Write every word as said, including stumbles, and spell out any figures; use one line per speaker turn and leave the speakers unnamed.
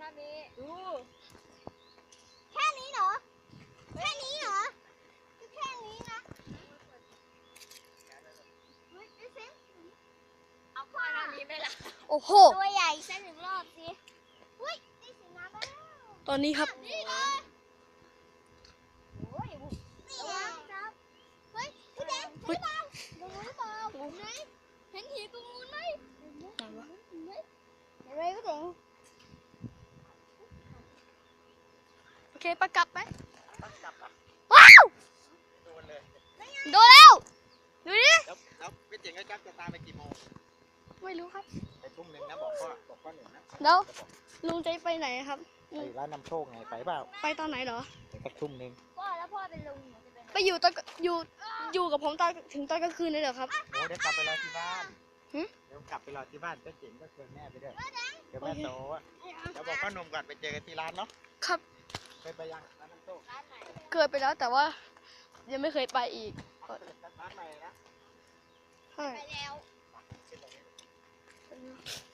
มีดู
แค่นี้เหรอแค่นี้เหรอแค่นี้นะเฮ้ยไอ้เซนเอาข้อนี้ไหมล่ะ
โอ้โห
ตัวใหญ่สักหนึ่งรอบสิเฮ้ยได้สีน้ำแล้ว
ตอนนี้ครับ
นี่ไงโอ้ยนี่ไงครับเฮ้ยพี่แดงเห็นเปล่าดูหรือเปล่าเห็นไหมเห็นหินตรงนู้นไหมเห็นไหมเห็นไหมเห็นไหมพี่แดง
โอเคปะกลับไหม
จับอ่ะ
ว้าว
โดนเลย
โดนแล้วดูดิ
แล้วแล้วพี่เจ๋งก็จับจะตามไปกี่โมง
ไม่รู้ครับ
ไปทุ่มหนึ่งนะบอกพ่อบอกพ่อหนึ่งนะ
เดี๋ยวลุงจะไปไหนครับ
ไปร้านนำโชคไงไปเปล่า
ไปตอนไหนเหรอ
ไปสักทุ่มหนึ่ง
พ่อแล้วพ่อเป็นลุงหนูจะเป็น
ไปอยู่ตอนอยู่อยู่กับผมตอนถึงตอนกลางคืนเลยเหรอครับ
โอ้เดี๋ยวกลับไปรอที่บ้าน
หึ
เดี๋ยวกลับไปรอที่บ้านพี่เจ๋งก็ชวนแม่ไปด้วยเดี๋ยวแม่โตอ่ะเดี๋ยวบอกพ่อหนุ่มก่อนไปเจอกันที่ร้านเนาะ
ครับ
เคยไปยังร้านนำโชค
ร้านไหน
เคยไปแล้วแต่ว่ายังไม่เคยไปอีก
ร้านใหม่นะ
ใช่
ไปแล้ว
ขึ้นตรงนี้